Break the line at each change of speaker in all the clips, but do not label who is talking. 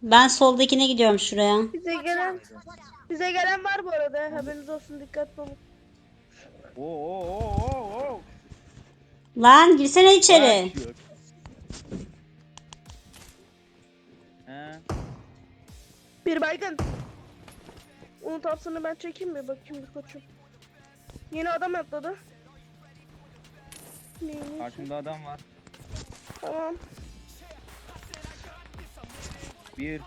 Ben soldakine gidiyorum şuraya.
Bize gelen var bu arada. Haberiniz olsun, dikkatli olun.
Oo.
Lan girsene içeri.
Başlıyor. He.
Bir baygın. Onun tapsını ben çekeyim mi? Bakayım bir koçum. Yeni adam atladı. Neymiş?
Karşımda adam var.
Tamam.
Bir.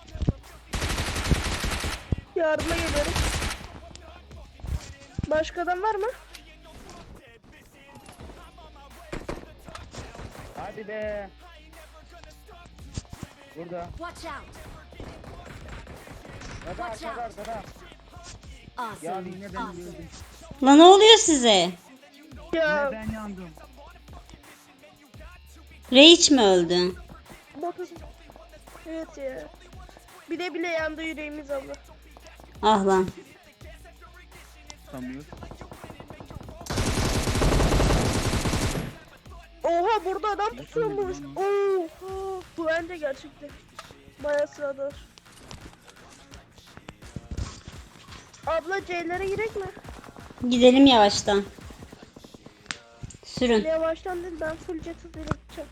Yardıma geliyorum. Başka adam var mı?
Hadi be. Burada.
Watch out!
Kadar. Ya
Awesome.
yine ben
Awesome.
öldüm.
Lan ne oluyor size?
Ya
Ben yandım.
Rage mi öldü?
botu. Evet ya. Bile yandı yüreğimiz abla.
Ah lan.
Tutamıyor.
Oha, burada adam pusuyormuş. Oha, bu bence gerçekten. Bayağı sıradır. Abla C'lere girek mi?
Gidelim yavaştan. Sürün.
Yavaştan değil, ben full jet hızıyla gideceğim.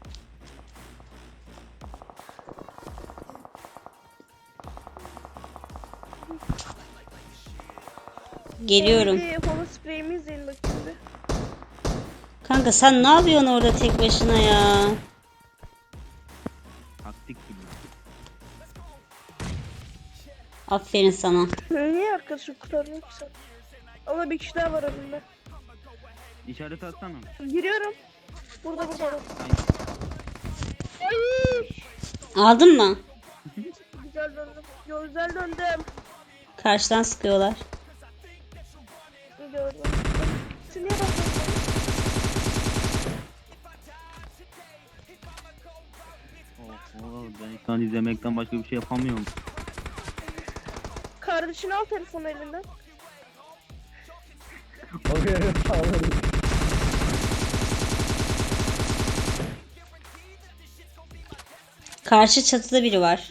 Geliyorum.
Bir holo spreyimi izleyin bakayım bir.
Kanka sen ne yapıyorsun orada tek başına ya?
Taktik gibi.
Aferin sana.
Niye arkadaşım kurtarıyor ki sen? Ama bir kişi daha var önümde.
İşaret atsana.
Giriyorum. Burada. Ay!
Aldın mı?
Güzel döndüm. Güzel döndüm.
Karşıdan sıkıyorlar.
Gördüm. Sen niye bakıyorsun?
Ben şu an izlemekten başka bir şey yapamıyorum.
Kardeşini al telefonu elinden.
Karşı çatıda biri var.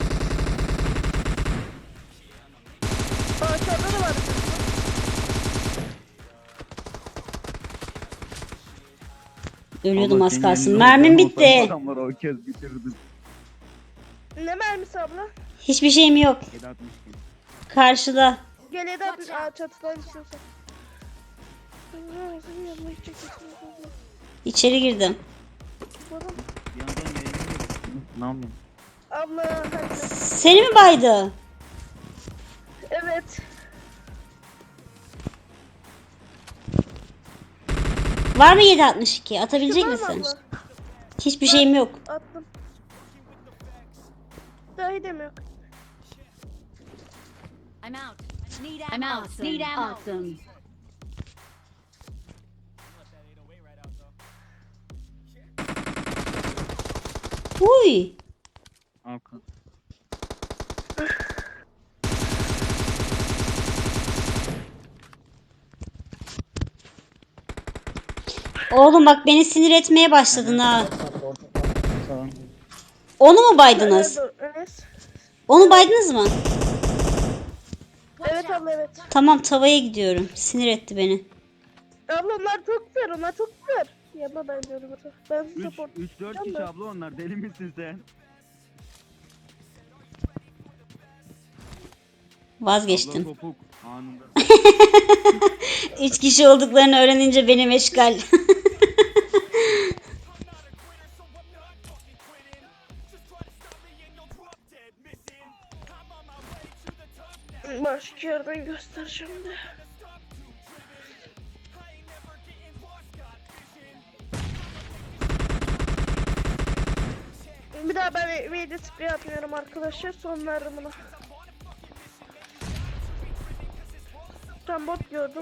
Aşağıda da var.
Ölüyordum
Allah
az
senin
kalsın.
elinde
Mermim
olsam
bitti.
Adamları o kez bitirdim.
Ne mermisi abla?
Hiçbir şeyim yok.
762.
Karşıda.
Gel Eda. Çatıdan istiyorsan.
İçeri girdim.
Bir yandan yayınlıyor. Ne yapayım?
Abla hadi.
Seni mi baydı?
Evet.
Var mı 762? Atabilecek
Var mı
misin?
abla?
Hiçbir şeyim yok.
Attım. Dahi demiyor.
I'm out. I'm out. Need ammo. Awesome.
Uy.
Arka.
Oğlum bak beni sinir etmeye başladın ha.
Tamam.
Onu mu baydınız?
Evet.
Onu baydınız mı?
Evet abla, evet.
Tamam tavaya gidiyorum. Sinir etti beni.
Abla onlar çok güzel, onlar çok güzel. Yapma ben diyorum. Ben
3
support.
4 kişi abla onlar. Deli misin sen?
Vazgeçtim.
Abla topuk anında.
3 kişi olduklarını öğrenince benim eşgal.
Başka yerden göstereceğim de. Bir daha ben meyde sprey atmıyorum arkadaşlar. Son verdim buna. Tam bot gördüm.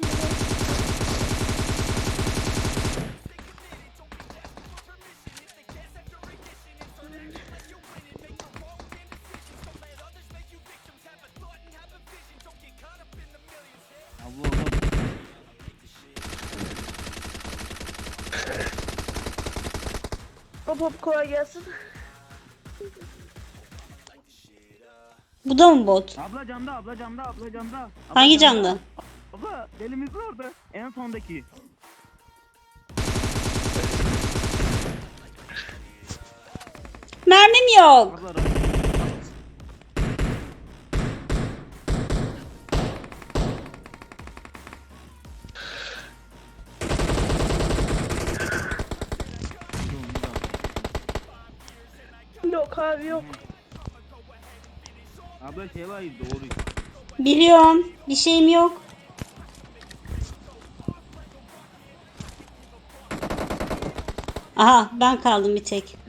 Abla orada.
Hop hop kolay gelsin.
Bu da mı bot?
Abla camda, abla camda, abla camda. Abla
Hangi camda?
Abla deli misin orada? En sondaki.
Mermim yok.
Abla
Yok abi yok.
abla şey var doğru.
Biliyorum. Bir şeyim yok. Aha ben kaldım bir tek.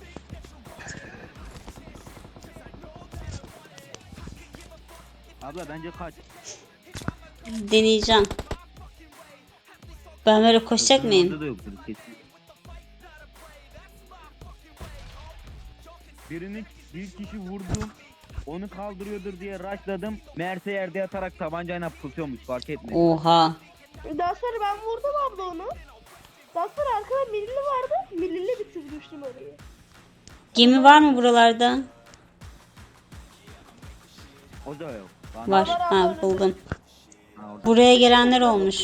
Abla bence kaç.
Deneyeceğim. Ben böyle koşacak
Orada
mıyım?
da yoktur kesin. Bir kişi vurdum. Onu kaldırıyordur diye rushladım. Meğerse yerde yatarak tabancayla pusuyormuş fark etmedi.
Oha.
Daha sonra ben vurdum abla onu. Daha sonra arkada milli vardı. Millili bitirmiştim orayı.
Gemi var mı buralarda?
O da yok.
Var. Ha buldum.
Ha, orada.
Buraya gelenler olmuş.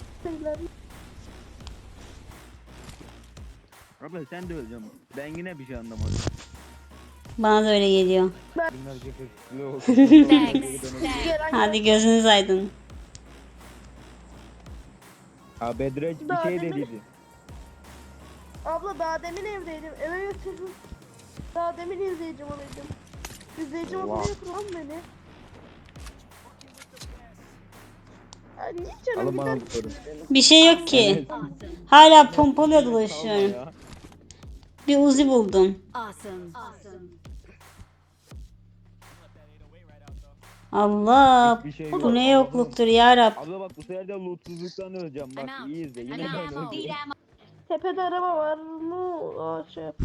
Abla sen de öleceksin. Ben yine bir şey anlamadım.
Bana da öyle geliyor.
Thanks.
Hadi gözünüz aydın.
Ha Bedreç bir
Daha
şey
demin-
dediydi.
Abla daha demin evdeydim. Eve götürdüm. Daha demin izleyicim olaydım. İzleyicim
Wow.
odaya kuran beni. Ya niye canım
Alın bana
gider
bu soru.
Bir şey yok ki.
Awesome.
Hala pompalı dolaşıyorum. Bir Uzi buldum.
Awesome. Awesome.
Allah.
Hiçbir şey
Bu
yok.
ne yokluktur ya Rab.
Abla bak bu sefer de lootsuzluktan öleceğim bak
I'm out.
iyi izle yine
I'm
ben
out.
öleceğim.
Need ammo.
Tepede araba var mı? Aa şey yap.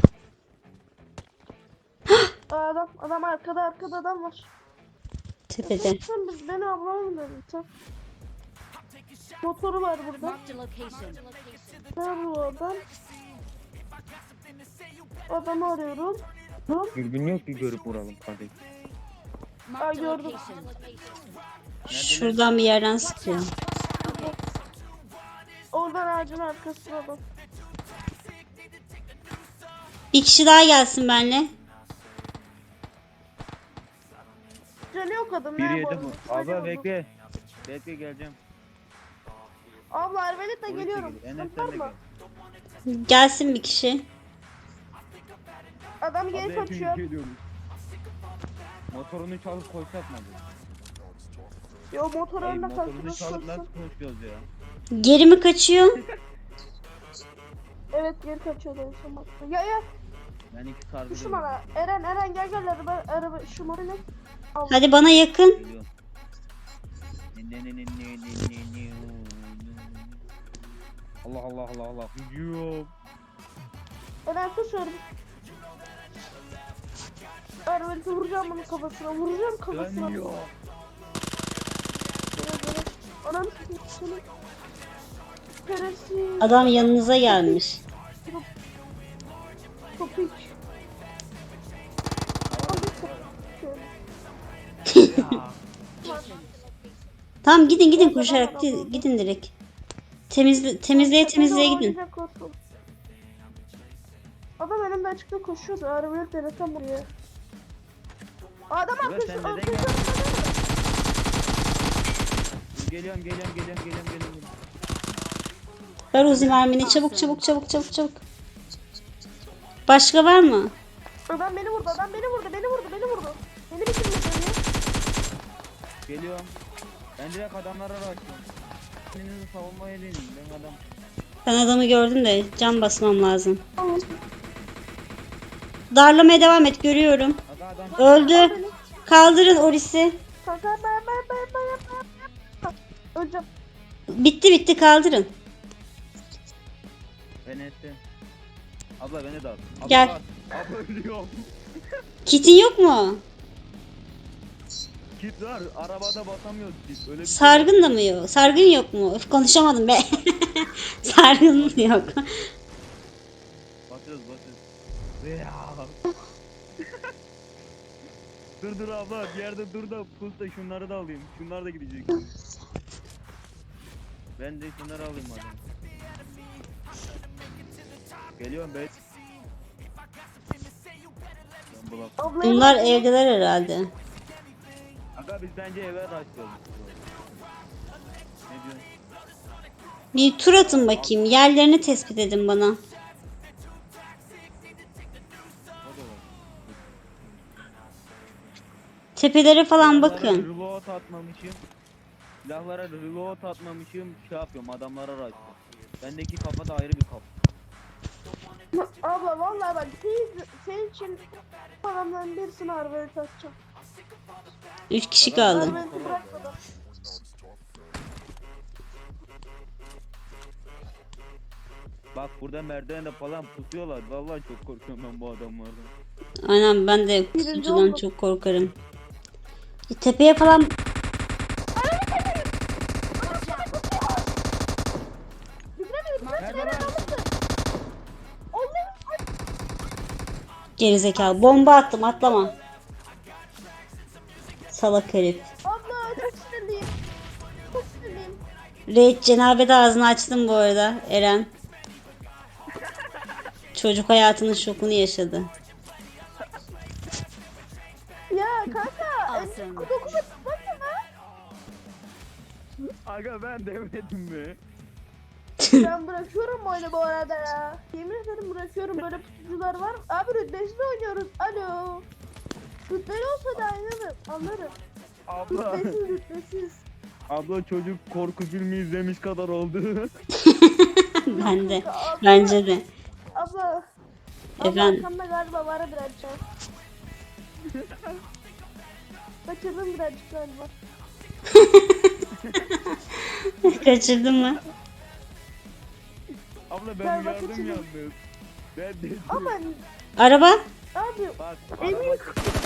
Adam arkada adam var.
Tepede.
Sen beni ablama mı dedin sen? Motoru var burada.
Marked a location.
Nerede bu adam? Adamı arıyorum.
Dürbün yok ki görüp vuralım kardeşim.
Marked a
gördüm.
location.
Şuradan bir yerden sıkıyor.
Oradan ağacın arkasına adam.
Bir kişi daha gelsin benimle.
Canı yok adam.
Bir
nerede
yedi
bu
bu.
arada?
Abla bekle. Bekle geleceğim.
Abla arbaletle
Oraya
geliyorum.
gel. Enes
Sıkıntı var
sen de
mı?
gel.
Gelsin bir kişi.
Adam
Abla
geri
hepimiz
kaçıyor.
geliyoruz. Motorunu çalıp koşsak mı?
Yo motor
Ey
önüne
motorunu
kalsın.
çalıp nasıl koşuyoruz ya?
Geri mi kaçıyor?
Evet geri kaçıyor da en son. Ya
Ben iki sargı
şu bana. Eren gel araba şu moru ne? Al.
Hadi bana yakın.
Geliyorum. Allah Allah Allah Allah. Gidiyorum.
Eren susuyorum. Arbaleti vuracağım bunun kafasına. Vuracağım kafasına.
Dönüyor.
Anam seni. Şerefsiz.
Adam yanınıza gelmiş.
Topik.
Tamam gidin koşarak gidin direkt. Temizleye gidin.
Adam önümde açıkta koşuyordu. Arabayı denesem buraya. Adam
Ulan sen
arkası.
neden geldin? Geliyorum.
Ver Uzi mermini çabuk. Başka var mı?
Adam beni vurdu. Beni bitirmedi beni.
Geliyorum. Ben direkt adamlara rastlıyorum. Kendinizi savunmaya deneyim. Ben adam.
Ben adamı gördüm de can basmam lazım. Darlamaya devam et görüyorum.
Aga adam.
Öldü. Kaldırın Oris'i.
Kanka ben. Öleceğim.
Bitti kaldırın.
Ben ettim. Abla beni de al. Abla
Gel.
al. Abla ölüyorum.
Kitin yok mu?
Kit var. Arabada basamıyoruz biz. Öyle bir şey
Sargın da mı yok? Sargın yok mu? Öf, konuşamadım be. Sargın yok.
Basıyoruz. Ya. Dur abla bir yerde dur da pus da şunları da alayım. Şunlar da gidecek. Ben de şunları alayım madem. Geliyorum be. Ben bulam.
Ablayı
Bunlar evdeler herhalde.
Aga biz bence eve başlayalım. Ne diyorsun?
Bir tur atın bakayım. Yerlerini tespit edin bana.
O da var.
Tepelere falan
Silahlara
bakın.
reload atmamışım. Silahlara reload atmamışım. Şey yapıyorum adamlara rush. Bendeki kafa da ayrı bir kafa.
Abla vallahi bak senin için adamların birisini arabaya takacağım.
3 kişi kaldı.
Arabayı bırakmadan.
Bak burada merdivende falan pusuyorlar. Vallahi çok korkuyorum ben bu adamlardan.
Aynen ben de
Birinci
kutucudan
oldum.
çok korkarım. Tepeye falan
Nerede lan?
gerizekalı. Bomba attım atlama. Salak herif.
Abla çok sinirliyim. Çok sinirliyim.
Raid cenabede ağzını açtım bu arada Eren. Çocuk hayatının şokunu yaşadı.
Ya kanka.
Awesome.
Dokuma tutmasana.
Aga ben demedim mi?
Ben bırakıyorum bu oyunu bu arada ya. Yemin ederim bırakıyorum. Böyle pusucular var. Abi rütbesiz oynuyoruz. Alo. Rütbeli olsa da anlarım.
Abla.
Rütbesiz.
Abla çocuk korku filmi izlemiş kadar oldu.
Ben de.
Abla,
Bence de.
Abla.
Efendim?
Arkamda galiba var birazcık. Kaçırdım birazcık galiba.
Kaçırdın mı?
Abla
Ben
ben uyardım
kaçırdım.
yalnız. Ben dedim.
Ama
Araba?
abi
Bak.
Emin-
Abi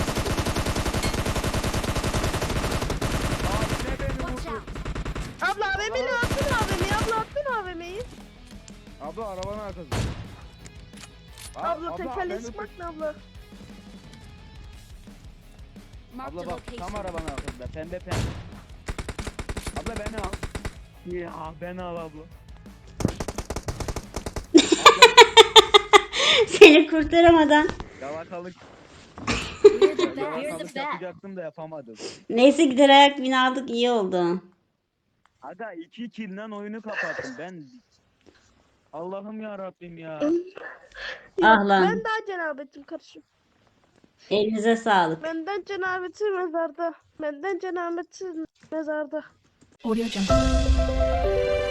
ne beni
Watch
vurdu?
out.
abla AVM'ni attın AVM'yi. Abla attın AVM'yi.
Abla arabanın arkası.
Abla tekerleği
beni
sıkmak ne abla?
Marked
Abla
a
bak tam
location.
arabanın arkasında pembe pembe. Abla beni al. Ya beni al abla.
Seni kurtaramadan.
Yalakalık.
We're the best. We're the
Yalakalık
best.
yapacaktım da yapamadım.
Neyse gider ayak bin aldık iyi oldu.
Aga 2 kill'den oyunu kapattım ben. Allah'ım ya Rabbim ya.
Ah lan.
Ben daha cenabetim kardeşim.
Elinize sağlık.
Benden cenabeti mezarda. Benden cenabeti mezarda.
Audio Jungle.